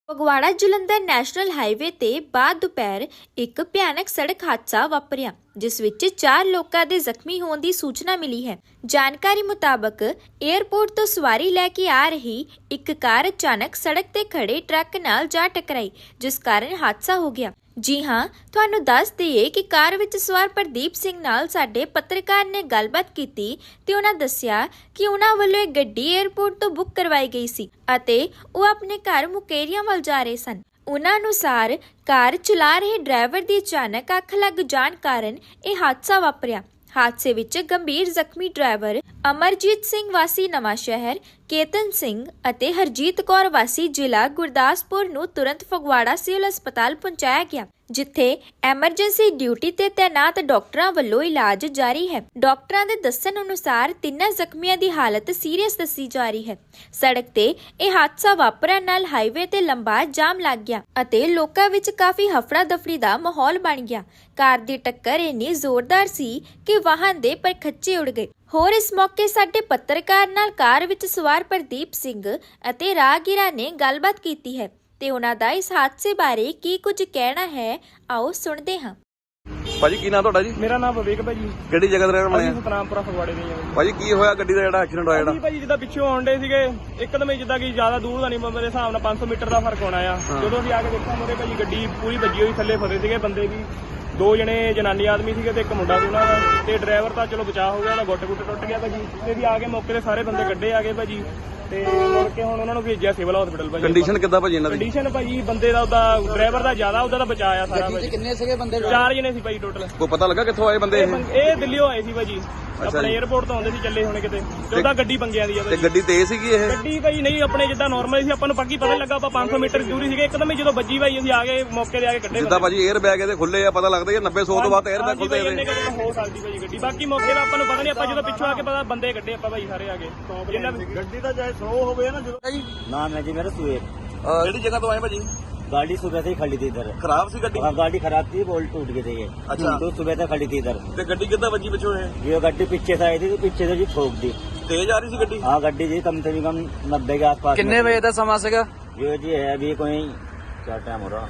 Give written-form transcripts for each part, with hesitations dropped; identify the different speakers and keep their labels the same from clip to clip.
Speaker 1: Phagwara Jalandhar national highway ਤੇ ਬਾਅਦ ਦੁਪਹਿਰ ਇੱਕ ਭਿਆਨਕ ਸੜਕ ਹਾਦਸਾ ਵਾਪਰਿਆ ਜਿਸ ਵਿੱਚ 4 ਲੋਕਾਂ ਦੇ ਜ਼ਖਮੀ ਹੋਣ ਦੀ ਸੂਚਨਾ ਮਿਲੀ ਹੈ। ਜਾਣਕਾਰੀ ਮੁਤਾਬਕ 에ਅਰਪੋਰਟ ਤੋਂ ਸਵਾਰੀ ਲੈ ਕੇ ਆ ਰਹੀ ਇੱਕ ਕਾਰ ਅਚਾਨਕ ਸੜਕ ਤੇ ਖੜੇ ਟਰੱਕ ਨਾਲ ਜਾ ਟਕਰਾਈ ਜਿਸ ਕਾਰਨ ਹਾਦਸਾ ਹੋ ਗਿਆ। ਜੀ ਹਾਂ, ਤੁਹਾਨੂੰ ਦੱਸ ਦਈਏ ਕਿ ਕਾਰ ਵਿੱਚ ਸਵਾਰ ਪ੍ਰਦੀਪ ਸਿੰਘ ਨਾਲ ਸਾਡੇ ਪੱਤਰਕਾਰ ਨੇ ਗੱਲਬਾਤ ਕੀਤੀ ਤੇ ਉਹਨਾਂ ਦੱਸਿਆ ਕਿ ਉਹਨਾਂ ਵੱਲੋਂ ਇੱਕ ਗੱਡੀ 에ਅਰਪੋਰਟ ਤੋਂ ਬੁੱਕ ਕਰਵਾਈ ਗਈ ਸੀ ਅਤੇ ਉਹ ਆਪਣੇ ਘਰ ਮੁਕੇਰੀਆਂ ਵੱਲ ਜਾ ਰਹੇ ਸਨ। ਉਹਨਾਂ ਅਨੁਸਾਰ ਕਾਰ ਚਲਾ ਰਹੇ ਡਰਾਈਵਰ ਦੀ ਅਚਾਨਕ ਅੱਖ ਲੱਗ ਜਾਣ ਕਾਰਨ ਇਹ ਹਾਦਸਾ ਵਾਪਰਿਆ। ਹਾਦਸੇ ਵਿੱਚ ਗੰਭੀਰ ਜ਼ਖਮੀ ਡਰਾਈਵਰ ਅਮਰਜੀਤ ਸਿੰਘ ਵਾਸੀ ਨਵਾਂ ਸ਼ਹਿਰ, ਕੇਤਨ ਸਿੰਘ ਅਤੇ ਹਰਜੀਤ ਕੌਰ ਵਾਸੀ ਜ਼ਿਲ੍ਹਾ ਗੁਰਦਾਸਪੁਰ ਨੂੰ ਤੁਰੰਤ ਫਗਵਾੜਾ ਸਿਵਲ ਹਸਪਤਾਲ ਪਹੁੰਚਾਇਆ ਗਿਆ ਜਿੱਥੇ ਐਮਰਜੈਂਸੀ ਡਿਊਟੀ ਤੇ ਤੈਨਾਤ ਡਾਕਟਰਾਂ ਵੱਲੋਂ ਇਲਾਜ ਜਾਰੀ ਹੈ। ਡਾਕਟਰਾਂ ਦੇ ਦੱਸਣ ਅਨੁਸਾਰ ਤਿੰਨਾਂ ਜ਼ਖਮੀਆਂ ਦੀ ਹਾਲਤ ਸੀਰੀਅਸ ਦੱਸੀ ਜਾ ਰਹੀ ਹੈ। ਸੜਕ ਤੇ ਇਹ ਹਾਦਸਾ ਵਾਪਰਨ ਨਾਲ ਹਾਈਵੇ ਤੇ ਲੰਬਾ ਜਾਮ ਲੱਗ ਗਿਆ ਅਤੇ ਲੋਕਾਂ ਵਿੱਚ ਕਾਫੀ ਹਫੜਾ ਦਫੜੀ ਦਾ ਮਾਹੌਲ ਬਣ ਗਿਆ। ਕਾਰ ਦੀ ਟੱਕਰ ਇੰਨੀ ਜ਼ੋਰਦਾਰ ਸੀ ਕਿ ਵਾਹਨ ਦੇ ਪਰਖੱਚੇ ਉੜ ਗਏ। ਹੋਰ ਇਸ ਮੌਕੇ ਸਾਡੇ ਪੱਤਰਕਾਰ ਨਾਲ ਕਾਰ ਵਿੱਚ ਸਵਾਰ ਪ੍ਰਦੀਪ ਸਿੰਘ ਅਤੇ ਰਾਹਗੀਰਾਂ ਨੇ ਗੱਲਬਾਤ ਕੀਤੀ ਹੈ ਤੇ ਉਹਨਾਂ ਦਾ ਇਸ ਹਾਦਸੇ ਬਾਰੇ ਕੀ ਕੁਝ ਕਹਿਣਾ ਹੈ, ਆਓ ਸੁਣਦੇ ਹਾਂ।
Speaker 2: ਭਾਜੀ ਕੀ ਨਾਮ ਤੁਹਾਡਾ ਜੀ?
Speaker 3: ਮੇਰਾ ਨਾਮ ਵਿਵੇਕ ਭਾਜੀ।
Speaker 2: ਕਿਹੜੀ ਜਗ੍ਹਾ ਤੇ ਰਹਿਣ ਵਾਲੇ ਆ?
Speaker 3: ਸਤਨਾਮਪੁਰਾ ਫਗਵਾੜੇ ਦੇ ਆ
Speaker 2: ਭਾਜੀ ਕੀ ਹੋਇਆ ਗੱਡੀ ਦਾ ਜਿਹੜਾ ਐਕਸੀਡੈਂਟ ਹੋਇਆ ਜਿਹੜਾ?
Speaker 3: ਭਾਜੀ ਜਿੱਦਾਂ ਪਿੱਛੋਂ ਆਉਂਦੇ ਸੀਗੇ ਇੱਕਦਮ ਹੀ ਜਿੱਦਾਂ ਕਿ ਜ਼ਿਆਦਾ ਦੂਰ ਦਾ ਨਹੀਂ, ਮੇਰੇ ਹਿਸਾਬ ਨਾਲ 500 ਮੀਟਰ ਦਾ ਫਰਕ ਹੋਣਾ ਆ। ਜਦੋਂ ਅਸੀਂ ਆ ਕੇ ਦੇਖਿਆ ਮੋਰੇ ਭਾਜੀ ਗੱਡੀ ਪੂਰੀ ਵੱਜੀ ਹੋਈ, ਥੱਲੇ ਫਸੇ ਸੀਗੇ ਬੰਦੇ ਵੀ, 2 ਜਣੇ ਜਨਾਨੀ ਆਦਮੀ ਸੀਗੇ ਤੇ ਇੱਕ ਮੁੰਡਾ ਸੀ ਉਹਨਾਂ ਦਾ, ਤੇ ਡਰਾਈਵਰ ਤਾਂ ਚਲੋ ਬਚਾਅ ਹੋ ਗਿਆ, ਉਹਦਾ ਗੁੱਟ ਟੁੱਟ ਗਿਆ ਭਾਜੀ। ਤੇ ਵੀ ਆ ਕੇ ਮੌਕੇ ਤੇ ਸਾਰੇ ਬੰਦੇ ਕੱਢੇ ਆ ਗਏ ਭਾਜੀ ਤੇ ਮੁੜ ਕੇ ਹੁਣ ਉਹਨਾਂ ਨੂੰ ਭੇਜਿਆ ਸਿਵਲ ਹਸਪੀਟਲ ਭਾਜੀ।
Speaker 2: ਕੰਡੀਸ਼ਨ ਕਿੱਦਾਂ ਭਾਜੀ ਇਹਨਾਂ ਦੀ?
Speaker 3: ਕੰਡੀਸ਼ਨ ਭਾਜੀ ਬੰਦੇ ਦਾ ਉਹਦਾ ਡਰਾਈਵਰ ਦਾ ਜ਼ਿਆਦਾ, ਉਹਦਾ ਤਾਂ ਬਚਾਅ ਆ ਸਾਰਾ ਭਾਜੀ।
Speaker 4: ਕਿੰਨੇ ਸੀਗੇ ਬੰਦੇ?
Speaker 3: 4 ਜਣੇ ਸੀ ਭਾਜੀ ਟੋਟਲ।
Speaker 2: ਕੋਈ ਪਤਾ ਲੱਗਾ ਕਿੱਥੋਂ ਆਏ ਬੰਦੇ
Speaker 3: ਇਹ ਦਿੱਲੀੋਂ ਆਏ ਸੀ ਭਾਜੀ, ਆਪਣੇ 에ਅਰਪੋਰਟ ਤੋਂ ਆਉਂਦੇ ਸੀ ਚੱਲੇ ਹੋਣੇ ਕਿਤੇ, ਤੇ ਉਹਦਾ ਗੱਡੀ ਪੰਗਿਆਂ ਦੀ ਆ
Speaker 2: ਤੇ
Speaker 3: ਭਾਜੀ।
Speaker 2: ਗੱਡੀ ਤੇਜ਼ ਸੀਗੀ ਇਹ?
Speaker 3: ਗੱਡੀ ਭਾਈ ਨਹੀਂ ਆਪਣੇ ਜਿੱਦਾਂ ਨਾਰਮਲ ਸੀ, ਆਪਾਂ ਨੂੰ ਪੱਕੀ ਪਤਾ ਲੱਗਾ, ਆਪਾਂ 500 ਮੀਟਰ ਦੂਰੀ ਸੀਗੇ, ਇੱਕਦਮ ਹੀ ਜਦੋਂ ਵੱਜੀ ਭਾਈ ਅਸੀਂ ਆ ਗਏ ਮੌਕੇ ਤੇ ਆ ਕੇ ਕੱਢੇ।
Speaker 2: ਜਿੱਦਾਂ ਭਾਜੀ 에ਅਰ ਬੈਗ ਇਹਦੇ ਖੁੱਲੇ ਆ, ਪਤਾ ਲੱਗਦਾ ਕਿ 90-100 ਤੋਂ ਬਾਅਦ 에ਅਰ ਬੈਗ ਖੁੱਲਦੇ
Speaker 3: ਇਹਦੇ ਹੋ ਸਕਦੀ ਭਾਜੀ ਗੱਡੀ, ਬਾਕੀ ਮੌਕੇ ਦਾ ਆਪਾਂ ਨੂੰ ਪਤਾ ਨਹੀਂ, ਆਪਾਂ ਜਦੋਂ ਪਿੱਛੋਂ ਆ ਕੇ ਪਤਾ ਬੰਦੇ ਕੱਢੇ ਆਪਾਂ ਭਾਈ ਸਾਰੇ ਆ ਗਏ।
Speaker 2: ਗੱਡੀ ਤਾਂ ਚਾਹੇ 100 ਹੋਵੇ ਨਾ ਜਦੋਂ।
Speaker 4: नाम है जी मेरा सुहेल।
Speaker 2: ਕਿਹੜੀ ਜਗ੍ਹਾ ਤੋਂ ਆਏ ਭਾਜੀ?
Speaker 4: गाड़ी सुबह से ही खड़ी थी इधर।
Speaker 2: ਖਰਾਬ ਸੀ ਗੱਡੀ?
Speaker 4: हाँ गाड़ी खराब थी, बोल्ट टूट गई थी ये।
Speaker 2: अच्छा।
Speaker 4: तो सुबह से खड़ी थी इधर।
Speaker 2: ਤੇ ਗੱਡੀ ਕਿੱਦਾਂ ਵੱਜੀ ਪਿੱਛੋਂ ਇਹ?
Speaker 4: ये गाड़ी पीछे से आई थी तो पीछे से जी ठोक दी।
Speaker 2: ਤੇਜ਼ ਆ ਰਹੀ ਸੀ ਗੱਡੀ?
Speaker 4: हाँ गाड़ी जी कम से कम 90 के आसपास।
Speaker 2: ਕਿੰਨੇ ਵਜੇ ਦਾ ਸਮਾਂ ਸੀਗਾ?
Speaker 4: ये जी है अभी कोई क्या टाइम हो रहा,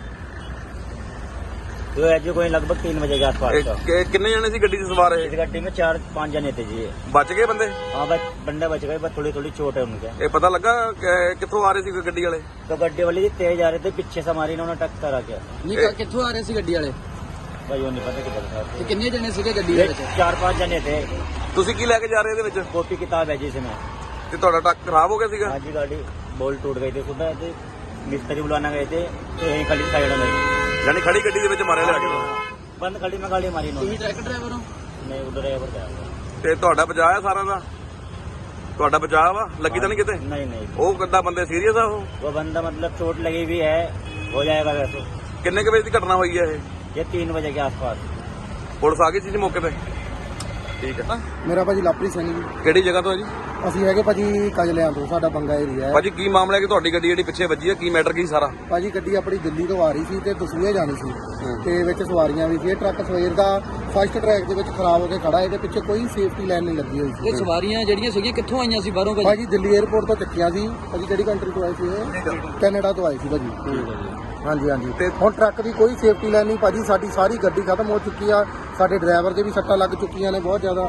Speaker 4: तो है जी कोई लगभग 3 बजे के आसपास।
Speaker 2: ਕਿੰਨੇ ਜਣੇ ਸੀ ਗੱਡੀ 'ਚ ਸਵਾਰ ਇਹ?
Speaker 4: इस गाड़ी में 4-5 जने थे जी।
Speaker 2: ਬਚ ਗਏ ਬੰਦੇ?
Speaker 4: हाँ बस बंदे बच गए, बस थोड़ी थोड़ी चोट है उनके।
Speaker 2: ਇਹ पता ਲੱਗਾ ਕਿੱਥੋਂ ਆ ਰਹੇ ਸੀ ਗੱਡੀ वाले?
Speaker 4: तो गड्डी वाले जी तेज आ रहे थे, पीछे से हमारी इन्होंने टक्कर आ गया।
Speaker 5: ਨਹੀਂ ਕਿੱਥੋਂ ਆ ਰਹੇ ਸੀ ਗੱਡੀ ਵਾਲੇ
Speaker 4: भाई वो नहीं पता किधर था।
Speaker 5: ਤੇ ਕਿੰਨੇ ਜਣੇ ਸੀਗੇ ਗੱਡੀ ਦੇ ਵਿੱਚ
Speaker 4: 4-5 जने थे।
Speaker 2: ਤੁਸੀਂ ਕੀ ਲੈ ਕੇ ਜਾ ਰਹੇ ਇਹਦੇ ਵਿੱਚ?
Speaker 4: कॉपी किताब है जी इसमें।
Speaker 2: ਤੇ ਤੁਹਾਡਾ ਟਰੱਕ ਖਰਾਬ ਹੋ ਗਿਆ ਸੀਗਾ?
Speaker 4: हाँ जी गाड़ी बोल्ट टूट गई थी, सुबह थे मिस्त्री बुलाना गए थे तो यहीं खड़ी साइड में
Speaker 2: ਯਾਨੀ ਖੜੀ ਗੱਡੀ ਦੇ ਵਿੱਚ ਮਾਰਿਆ ਲਿਆ ਕੇ?
Speaker 4: बंद खड़ी में गाड़ी मारी
Speaker 5: ਤੁਸੀਂ
Speaker 4: इन्होंने।
Speaker 5: ਟਰੱਕ ਡਰਾਈਵਰ ਹੋ?
Speaker 4: नहीं उधर ड्राइवर गया।
Speaker 2: ਤੇ ਤੁਹਾਡਾ ਬਚਾਅ ਆ ਸਾਰਿਆਂ ਦਾ? ਤੁਹਾਡਾ ਬਚਾਅ ਵਾ? ਲੱਗੀ ਤਾਂ ਨਹੀਂ ਕਿਤੇ?
Speaker 4: नहीं नहीं
Speaker 2: ਉਹ ਕਿੱਦਾਂ ਬੰਦੇ ਸੀਰੀਅਸ ਆ ਉਹ?
Speaker 4: वो बंदा मतलब चोट लगी हुई है, हो जाएगा वैसे।
Speaker 2: ਕਿੰਨੇ ਕੁ ਵਜੇ ਦੀ ਘਟਨਾ ਹੋਈ ਹੈ ਇਹ?
Speaker 4: ये 3 बजे के आसपास।
Speaker 2: ਪੁਲਿਸ ਆ ਗਈ ਸੀ ਜੀ ਮੌਕੇ ਤੇ? ਠੀਕ ਹੈ।
Speaker 6: ਮੇਰਾ ਭਾਜੀ ਲਾਪਰੀ ਸਿੰਘ ਜੀ।
Speaker 2: ਕਿਹੜੀ ਜਗ੍ਹਾ ਤੋਂ ਹੈ ਜੀ?
Speaker 6: ਅਸੀਂ ਹੈਗੇ ਭਾਜੀ ਕਜਲਿਆਂ ਤੋਂ, ਸਾਡਾ ਬੰਗਾ ਏਰੀਆ ਹੈ।
Speaker 2: ਭਾਜੀ ਕੀ ਮਾਮਲਾ ਹੈ ਕਿ ਤੁਹਾਡੀ ਗੱਡੀ ਜਿਹੜੀ ਪਿੱਛੇ ਵੱਜੀ ਹੈ, ਕੀ ਮੈਟਰ ਕੀ ਸਾਰਾ?
Speaker 6: ਭਾਜੀ ਗੱਡੀ ਆਪਣੀ ਦਿੱਲੀ ਤੋਂ ਆ ਰਹੀ ਸੀ ਤੇ ਦਸੂਹੇ ਜਾਣੀ ਸੀ ਤੇ ਵਿੱਚ ਸਵਾਰੀਆਂ ਵੀ ਸੀ। ਇਹ ਟਰੱਕ ਸਵੇਰ ਦਾ ਫਸਟ ਟਰੈਕ ਦੇ ਵਿੱਚ ਖਰਾਬ ਹੋ ਕੇ ਖੜਾ ਹੈ ਤੇ ਪਿੱਛੇ ਕੋਈ ਸੇਫਟੀ ਲਾਈਨ ਨਹੀਂ ਲੱਗੀ ਹੋਈ ਸੀ।
Speaker 5: ਇਹ ਸਵਾਰੀਆਂ ਜਿਹੜੀਆਂ ਸੀਗੀਆਂ ਕਿੱਥੋਂ ਆਈਆਂ ਸੀ ਬਾਹਰੋਂ ਭਾਜੀ?
Speaker 6: ਭਾਜੀ ਦਿੱਲੀ 에ਅਰਪੋਰਟ ਤੋਂ ਚੱਕੀਆਂ ਸੀ। ਭਾਜੀ ਕਿਹੜੀ ਕੰਟਰੀ ਤੋਂ ਆਏ ਸੀ ਇਹ? ਕੈਨੇਡਾ ਤੋਂ ਆਏ ਸੀ ਭਾਜੀ। ਹਾਂਜੀ ਹਾਂਜੀ। ਤੇ ਹੁਣ ਟਰੱਕ ਦੀ ਕੋਈ ਸੇਫਟੀ ਲਾਈਨ ਨਹੀਂ ਭਾਜੀ, ਸਾਡੀ ਸਾਰੀ ਗੱਡੀ ਖਤਮ ਹੋ ਚੁੱਕੀ ਆ। ਸਾਡੇ ਡਰਾਈਵਰ ਦੇ ਵੀ ਸੱਟਾਂ ਲੱਗ ਚੁੱਕੀਆਂ ਨੇ ਬਹੁਤ ਜ਼ਿਆਦਾ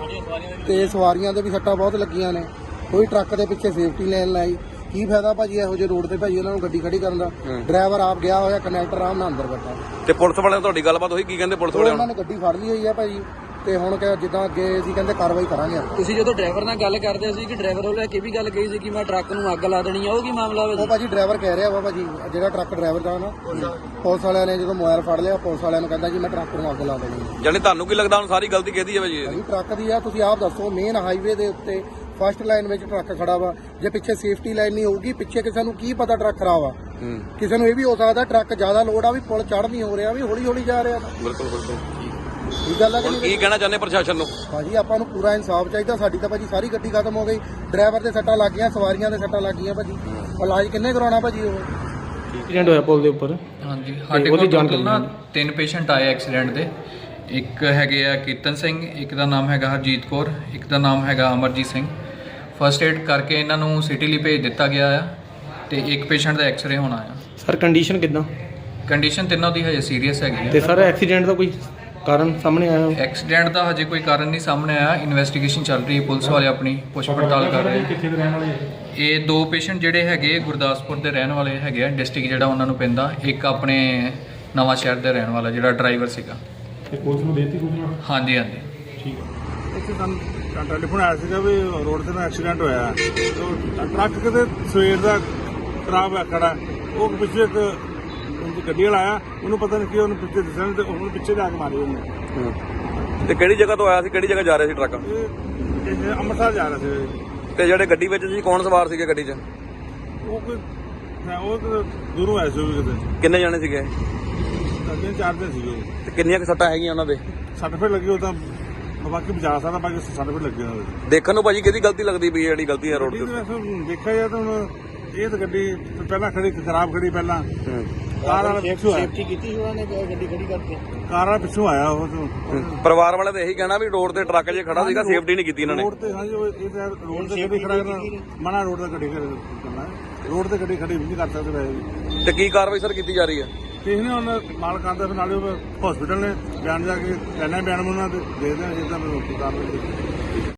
Speaker 6: ਤੇ ਸਵਾਰੀਆਂ ਦੇ ਵੀ ਸੱਟਾਂ ਬਹੁਤ ਲੱਗੀਆਂ ਨੇ। ਕੋਈ ਟਰੱਕ ਦੇ ਪਿੱਛੇ ਸੇਫਟੀ ਲਾਈਨ ਲਾਈ, ਕੀ ਫਾਇਦਾ ਭਾਜੀ ਇਹੋ ਜਿਹੇ ਰੋਡ ਤੇ ਭਾਜੀ ਉਹਨਾਂ ਨੂੰ ਗੱਡੀ ਖੜੀ ਕਰਨ ਦਾ। ਡਰਾਈਵਰ ਆਪ ਗਿਆ ਹੋਇਆ, ਕੰਡਕਟਰ ਆਰਾਮ ਨਾਲ ਅੰਦਰ ਬੈਠਾ।
Speaker 2: ਤੇ ਪੁਲਿਸ ਵਾਲਿਆਂ ਨਾਲ ਤੁਹਾਡੀ ਗੱਲਬਾਤ ਹੋਈ? ਕੀ ਕਹਿੰਦੇ ਪੁਲਿਸ ਵਾਲੇ?
Speaker 6: ਉਹਨਾਂ ਨੇ ਗੱਡੀ ਫੜ ਲਈ ਹੋਈ ਆ ਭਾਜੀ ਤੇ ਹੁਣ ਜਿੱਦਾਂ ਅੱਗੇ ਅਸੀਂ ਕਹਿੰਦੇ ਕਾਰਵਾਈ ਕਰਾਂਗੇ।
Speaker 5: ਤੁਸੀਂ ਜਦੋਂ ਡਰਾਈਵਰ ਨਾਲ ਗੱਲ ਕਰਦੇ ਸੀ ਕਿ ਡਰਾਈਵਰ ਵੱਲੋਂ ਇਹ ਵੀ ਗੱਲ ਕਹੀ ਸੀ ਕਿ ਮੈਂ ਟਰੱਕ ਨੂੰ ਅੱਗ ਲਾ ਦੇਣੀ ਆ, ਉਹ ਕੀ ਮਾਮਲਾ
Speaker 6: ਉਹ
Speaker 5: ਵਾ?
Speaker 6: ਭਾਜੀ ਡਰਾਈਵਰ ਕਹਿ ਰਿਹਾ ਵਾ ਭਾਜੀ, ਜਿਹੜਾ ਟਰੱਕ ਡਰਾਈਵਰ ਦਾ ਨਾ, ਪੁਲਿਸ ਵਾਲਿਆਂ ਨੇ ਜਦੋਂ ਮੋਬਾਈਲ ਫੜ ਲਿਆ, ਪੁਲਿਸ ਵਾਲਿਆਂ ਨੂੰ ਕਹਿੰਦਾ ਜੀ ਮੈਂ ਟਰੱਕ ਨੂੰ ਅੱਗ ਲਾ ਦੇਣੀ।
Speaker 2: ਯਾਨੀ ਤੁਹਾਨੂੰ ਕੀ ਲੱਗਦਾ ਹੁਣ ਸਾਰੀ ਗਲਤੀ ਕਿਹਦੀ ਹੈ ਭਾਜੀ?
Speaker 6: ਭਾਜੀ ਟਰੱਕ ਦੀ ਆ। ਤੁਸੀਂ ਆਪ ਦੱਸੋ, ਮੇਨ ਹਾਈਵੇ ਦੇ ਉੱਤੇ ਫਸਟ ਲਾਈਨ ਵਿੱਚ ਟਰੱਕ ਖੜਾ ਵਾ, ਜੇ ਪਿੱਛੇ ਸੇਫਟੀ ਲਾਈਨ ਨਹੀਂ ਹੋਊਗੀ, ਪਿੱਛੇ ਕਿਸੇ ਨੂੰ ਕੀ ਪਤਾ ਟਰੱਕ ਖਰਾਬ ਆ। ਕਿਸੇ ਨੂੰ ਇਹ ਵੀ ਹੋ ਸਕਦਾ ਟਰੱਕ ਜ਼ਿਆਦਾ ਲੋਡ ਆ ਵੀ ਪੁਲ ਚੜ੍ਹ ਨਹੀਂ ਹੋ ਰਿਹਾ, ਵੀ ਹੌਲੀ ਹੌਲੀ ਜਾ ਰਿਹਾ।
Speaker 2: ਬਿਲਕੁਲ ਬਿਲਕੁਲ।
Speaker 6: ਇਹ ਗੱਲ ਆ ਕਿ
Speaker 2: ਹੁਣ ਕੀ ਕਹਿਣਾ ਚਾਹੁੰਦੇ ਪ੍ਰਸ਼ਾਸਨ ਨੂੰ?
Speaker 6: ਭਾਜੀ ਆਪਾਂ ਨੂੰ ਪੂਰਾ ਇਨਸਾਫ ਚਾਹੀਦਾ। ਸਾਡੀ ਤਾਂ ਭਾਜੀ ਸਾਰੀ ਗੱਡੀ ਖਤਮ ਹੋ ਗਈ, ਡਰਾਈਵਰ ਦੇ ਸੱਟਾਂ ਲੱਗ ਗਈਆਂ, ਸਵਾਰੀਆਂ ਦੇ ਸੱਟਾਂ ਲੱਗ ਗਈਆਂ ਭਾਜੀ। ਇਲਾਜ ਕਿੰਨੇ ਕਰਾਉਣਾ ਭਾਜੀ? ਉਹ
Speaker 7: ਐਕਸੀਡੈਂਟ ਹੋਇਆ ਪੁਲ ਦੇ ਉੱਪਰ।
Speaker 8: ਹਾਂਜੀ, ਸਾਡੇ ਕੋਲ ਟੋਟਲ ਨਾ 3 ਪੇਸ਼ੈਂਟ ਆਏ ਐਕਸੀਡੈਂਟ ਦੇ। ਇੱਕ ਹੈਗੇ ਆ ਕੇਤਨ ਸਿੰਘ, ਇੱਕ ਦਾ ਨਾਮ ਹੈਗਾ ਹਰਜੀਤ ਕੌਰ, ਇੱਕ ਦਾ ਨਾਮ ਹੈਗਾ ਅਮਰਜੀਤ ਸਿੰਘ। ਫਸਟ ਏਡ ਕਰਕੇ ਇਹਨਾਂ ਨੂੰ ਸਿਟੀ ਲਈ ਭੇਜ ਦਿੱਤਾ ਗਿਆ ਆ ਤੇ ਇੱਕ ਪੇਸ਼ੈਂਟ ਦਾ ਐਕਸ-ਰੇ ਹੋਣਾ ਆ।
Speaker 7: ਸਰ ਕੰਡੀਸ਼ਨ ਕਿੱਦਾਂ?
Speaker 8: ਕੰਡੀਸ਼ਨ ਤਿੰਨੋਂ ਦੀ ਹਜੇ ਸੀਰੀਅਸ ਹੈਗੀ
Speaker 7: ਤੇ
Speaker 8: ਆ।
Speaker 7: ਸਰ ਐਕਸੀਡੈਂਟ ਦਾ ਕੋਈ ਕਾਰਨ ਸਾਹਮਣੇ ਆਇਆ?
Speaker 8: ਐਕਸੀਡੈਂਟ ਦਾ ਹਜੇ ਕੋਈ ਕਾਰਨ ਨਹੀਂ ਸਾਹਮਣੇ ਆਇਆ। ਇਨਵੈਸਟੀਗੇਸ਼ਨ ਚੱਲ ਰਹੀ ਹੈ, ਪੁਲਿਸ ਵਾਲੇ ਆਪਣੀ ਪੁੱਛ ਪੜਤਾਲ ਕਰ ਰਹੇ ਆ।
Speaker 7: ਕਿੱਥੇ ਦੇ ਰਹਿਣ ਵਾਲੇ?
Speaker 8: ਇਹ ਦੋ ਪੇਸ਼ੈਂਟ ਜਿਹੜੇ ਹੈਗੇ ਗੁਰਦਾਸਪੁਰ ਦੇ ਰਹਿਣ ਵਾਲੇ ਹੈਗੇ ਆ, ਡਿਸਟ੍ਰਿਕਟ ਜਿਹੜਾ ਉਹਨਾਂ ਨੂੰ ਪੈਂਦਾ। ਇੱਕ ਆਪਣੇ ਨਵਾਂ ਸ਼ਹਿਰ ਦੇ ਰਹਿਣ ਵਾਲਾ ਜਿਹੜਾ ਡਰਾਈਵਰ ਸੀਗਾ।
Speaker 7: ਤੇ ਪੁਲਿਸ ਨੂੰ ਦੇਤੀ ਸੂਚਨਾ?
Speaker 8: ਹਾਂਜੀ ਹਾਂਜੀ।
Speaker 7: ਠੀਕ ਹੈ।
Speaker 9: ਇੱਥੇ ਸਾਨੂੰ ਟੈਲੀਫੋਨ ਆਇਆ ਸੀਗਾ ਵੀ ਰੋਡ ਤੇ ਨਾ ਐਕਸੀਡੈਂਟ ਹੋਇਆ। ਟਰੱਕ ਕਿਤੇ ਸਵੇਰ ਦਾ ਖਰਾਬ ਹੈ ਖੜਾ। ਉਹ ਪਿੱਛੇ ਇੱਕ ਗੱਡੀ ਵਾਲਾ ਆਇਆ, ਉਹਨੂੰ ਪਤਾ ਨਹੀਂ ਕੀ ਉਹਨੂੰ ਪਿੱਛੇ ਦਿਸਣ ਤੇ ਉਹਨੂੰ ਪਿੱਛੇ ਜਾ ਕੇ ਮਾਰੀ ਉਹਨੇ।
Speaker 2: ਤੇ ਕਿਹੜੀ ਜਗ੍ਹਾ ਤੋਂ ਆਇਆ ਸੀ, ਕਿਹੜੀ ਜਗ੍ਹਾ ਜਾ ਰਿਹਾ ਸੀ ਟਰੱਕ?
Speaker 9: ਇਹ ਅੰਮ੍ਰਿਤਸਰ ਜਾ ਰਿਹਾ ਸੀ।
Speaker 2: ਤੇ ਜਿਹੜੇ ਗੱਡੀ ਵਿੱਚ ਸੀ ਕੌਣ ਸਵਾਰ ਸੀਗੇ ਗੱਡੀ 'ਚ?
Speaker 9: ਉਹ ਕੋਈ ਉਹ ਤਾਂ ਦੂਰੋਂ ਆਇਆ ਸੀ ਉਹ ਵੀ ਕਿਤੇ।
Speaker 2: ਕਿੰਨੇ ਜਾਣੇ ਸੀਗੇ?
Speaker 9: ਤਿੰਨ ਚਾਰ ਦਿਨ ਸੀਗੇ।
Speaker 2: ਤੇ ਕਿੰਨੀਆਂ ਕੁ ਸੱਟਾਂ ਹੈਗੀਆਂ ਉਹਨਾਂ ਦੇ?
Speaker 9: ਸੱਟ ਫੇਟ ਲੱਗੀ ਉਹ ਤਾਂ ਬਾਕੀ ਬਚਾ ਸਕਦਾ, ਬਾਕੀ ਸੱਟ ਫੇਟ ਲੱਗੀ ਉਹਨਾਂ ਦੇ।
Speaker 2: ਦੇਖਣ ਨੂੰ ਭਾਜੀ ਕਿਹਦੀ ਗਲਤੀ ਲੱਗਦੀ ਪਈ ਜਿਹੜੀ ਗਲਤੀ ਹੈ ਰੋਡ
Speaker 9: ਗੱਡੀ
Speaker 2: ਤੇ?
Speaker 9: ਤਾਂ ਵੈਸੇ ਦੇਖਿਆ ਜਾਏ ਤਾਂ ਹੁਣ ਇਹ ਤਾਂ ਗੱਡੀ ਪਹਿਲਾਂ ਖੜੀ ਖਰਾਬ ਖੜੀ ਪਹਿਲਾਂ ਕਾਰ ਵਾਲਾ ਪਿੱਛੋਂ ਆਇਆ।
Speaker 6: ਸੇਫਟੀ ਕੀਤੀ ਸੀ ਉਹਨਾਂ ਨੇ ਗੱਡੀ ਖੜੀ ਕਰਕੇ?
Speaker 9: ਕਾਰ ਵਾਲਾ ਪਿੱਛੋਂ ਆਇਆ ਉਹ ਤੋਂ।
Speaker 2: ਪਰਿਵਾਰ ਵਾਲੇ ਤਾਂ ਇਹੀ ਕਹਿਣਾ ਵੀ ਰੋਡ ਤੇ ਟਰੱਕ ਜੇ ਖੜਾ ਸੀਗਾ, ਸੇਫਟੀ ਨਹੀਂ ਕੀਤੀ ਇਹਨਾਂ ਨੇ।
Speaker 9: ਰੋਡ ਤੇ ਹਾਂਜੀ ਇਹ ਤਾਂ ਰੋਡ ਤੇ ਗੱਡੀ ਖੜਾ ਕਰਨਾ ਮਨਾ, ਰੋਡ ਤੇ ਗੱਡੀ ਕਰਨਾ, ਰੋਡ ਤੇ ਗੱਡੀ ਖੜੀ ਵੀ ਨਹੀਂ ਕਰ ਸਕਦੇ ਵੈਸੇ।
Speaker 2: ਤੇ ਕੀ ਕਾਰਵਾਈ ਸਰ ਕੀਤੀ ਜਾ ਰਹੀ ਹੈ?
Speaker 9: ਕਿਸੇ ਨੇ ਉਹਨਾਂ ਮਾਲ ਕਰਦਾ, ਫਿਰ ਨਾਲੇ ਹਸਪੀਟਲ ਨੇ ਬਿਆਨ ਜਾ ਕੇ ਲੈਣਾ ਬਿਆਨ ਉਹਨਾਂ ਤੇ ਦੇਖਦੇ ਹਾਂ ਜਿੱਦਾਂ ਕਾਰਵਾਈ